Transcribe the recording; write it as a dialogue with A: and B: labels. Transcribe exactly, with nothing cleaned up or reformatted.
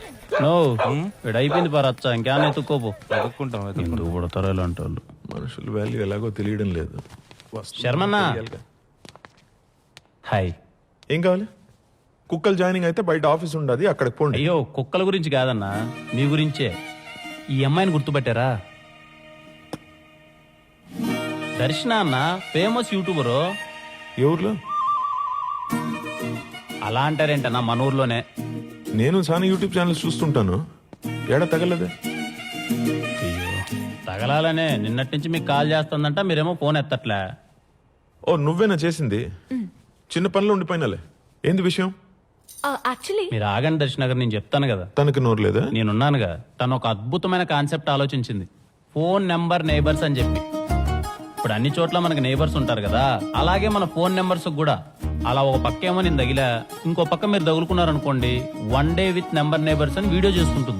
A: No ఇక్కడ అయిపోయింది పరచ్చా ఇంకేమైనా ఎత్తుక్కోపో
B: వెతుక్కుంటాం వెతుక్కుంటాం.
A: ఎందుకు పడతారో ఇలాంటి వాళ్ళు.
C: మనుషుల వాల్యూ ఎలాగో తెలియడం లేదు. వస్తుంది
A: శర్మన్న.
C: తెలియాలిగా.
A: హాయ్.
C: ఏం కావాలి? కుక్కలు జాయినింగ్ అయితే బయట ఆఫీస్ ఉండదు, అక్కడికి పోండి.
A: అయ్యో కుక్కల గురించి కాదన్నా మీ గురించే. ఈ అమ్మాయిని గుర్తుపట్టారా? దర్శన అన్న ఫేమస్ యూట్యూబరు.
C: ఏ ఊర్లో?
A: అలా అంటారేంటన్నా మన ఊర్లోనే.
C: నేను చాలా యూట్యూబ్ ఛానల్స్ చూస్తుంటాను. ఏడా తగలదే?
A: అయ్యో తగలాలనే నిన్నటి నుంచి మీకు కాల్ చేస్తుందంట, మీరేమో ఫోన్ ఎత్తట్లే.
C: ఓ నువ్వేనా చేసింది? చిన్న పనిలో ఉండిపోయినాలే. ఏంది విషయం?
D: యాక్చువల్లీ
A: మీరు ఆగండి దర్శన గారు, నేను చెప్తాను కదా.
C: తనకి నోరు లేదా?
A: నేనున్నానుగా. తను ఒక అద్భుతమైన కాన్సెప్ట్ ఆలోచించింది, ఫోన్ నెంబర్ నైబర్స్ అని చెప్పి. ఇప్పుడు అన్ని చోట్ల మనకి నైబర్స్ ఉంటారు కదా, అలాగే మన ఫోన్ నెంబర్స్ కూడా. అలా ఒక పక్క ఏమో నేను తగిలా, ఇంకో పక్క మీరు తగులుకున్నారనుకోండి, one day with number neighbours అని వీడియో చేసుకుంటుంది.